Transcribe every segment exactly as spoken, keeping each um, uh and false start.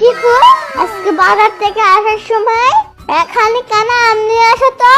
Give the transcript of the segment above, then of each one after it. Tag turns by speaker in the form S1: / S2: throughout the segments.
S1: Shifu, আজকে বাজার থেকে আসার সময় এখানে কেন আম নিয়ে আসো তো?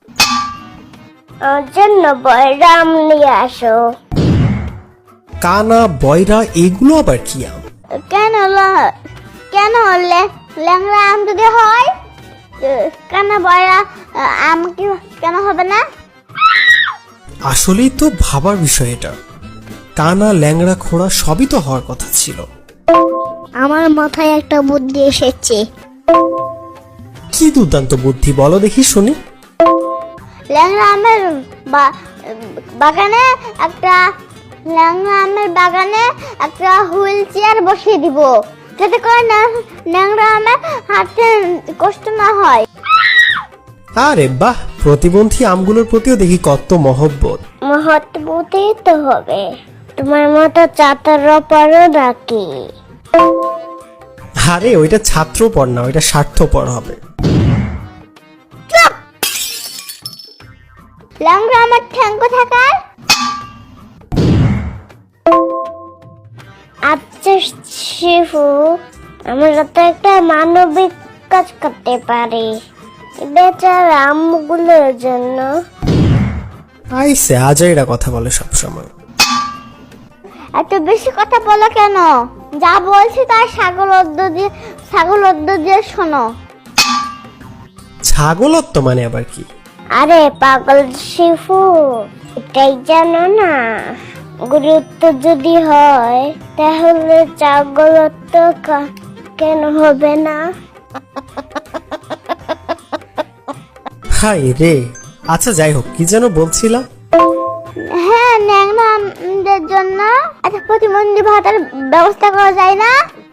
S1: ওর জন্য বয়রা আম নিয়ে আসো।
S2: কানা, বয়রা এগুলো আবার কি আম?
S1: কেন ল- কেন লে- ল্যাংড়া আম যদি হয়, কেন বয়রা আম কি কেন হবে না?
S2: আসলেই তো ভাবার বিষয় এটা। কানা, ল্যাংড়া, খোড়া সবই তো হওয়ার কথা ছিল।
S1: আমার মাথায় একটা বুদ্ধি এসেছে।
S2: কি দুর্দান্ত বুদ্ধি, বলো দেখি শুনি।
S1: ল্যাংড়া আমের বা- বাগানে একটা ল্যাংড়া আমের বাগানে একটা হুইল চেয়ার বসিয়ে দিব, যাতে করে না ল্যাংড়া আমের হাঁটতে কষ্ট না হয়।
S2: আরে বাহ, প্রতিবন্ধী আমগুলোর প্রতিও দেখি কত মহব্বত।
S1: মহৎবতী তো হবে, তোমার মতো চাতার পরও নাকি?
S2: আরে ওইটা ছাত্রপর না, ওইটা স্বার্থপর হবে।
S1: ল্যাংড়া আমার ঠ্যাঙ্গ থাকার। আচ্ছা শিফু, আমরা তো একটা মানবিক কাজ করতে পারি বেচারা আমগুলোর জন্য।
S2: আইসে আজাইরা কথা বলে সব সময়।
S1: এত বেশি কথা বলো কেন? যা বলছি তার ছাগল অদ্দ দিয়ে ছাগল অদ্দ দিয়ে শোনো।
S2: ছাগলত্ব মানে আবার কি?
S1: আরে পাগল শিফু, এটাই জানো না? গুরুত্ব যদি হয় তাহলে ছাগলত্ব কা- কেন হবে না?
S2: হাই রে। আচ্ছা যাই হোক, কি যেন বলছিলাম।
S1: হ্যাঁ, ন্যাংরাদের জন্য একটা প্রতিবন্ধী ভাতার ব্যবস্থা করা যায় না?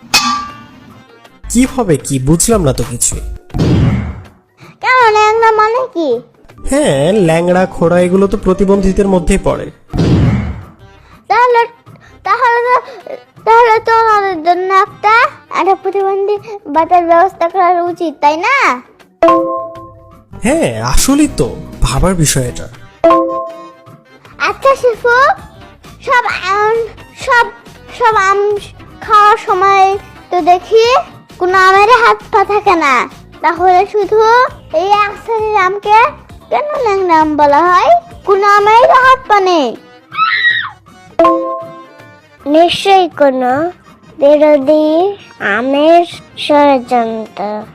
S2: কি হবে কি বুঝলাম না তো কিছু।
S1: কেন, ন্যাংরা মানে কি?
S2: হ্যাঁ, ল্যাংড়া, খোড়া এগুলো তো প্রতিবন্ধীদের মধ্যেই পড়ে।
S1: তাহলে তাহলে তো তাহলে তো ওনাদের জন্য একটা একটা প্রতিবন্ধী ভাতার ব্যবস্থা করা উচিত, তাই না?
S2: হ্যাঁ, আসলেই তো ভাবার বিষয় এটা।
S1: আচ্ছা শিফু, সব আম সব সব আম খাওয়ার সময় তো দেখি কোনো আমের হাত পা থাকে না, তাহলে শুধু এই এক শ্রেণীর আমকে কেন ল্যাংড়া আম বলা হয়? কোনো আমের হাত পা নেই। নিশ্চয়ই কোনো বিরোধী আমের ষড়যন্ত্র।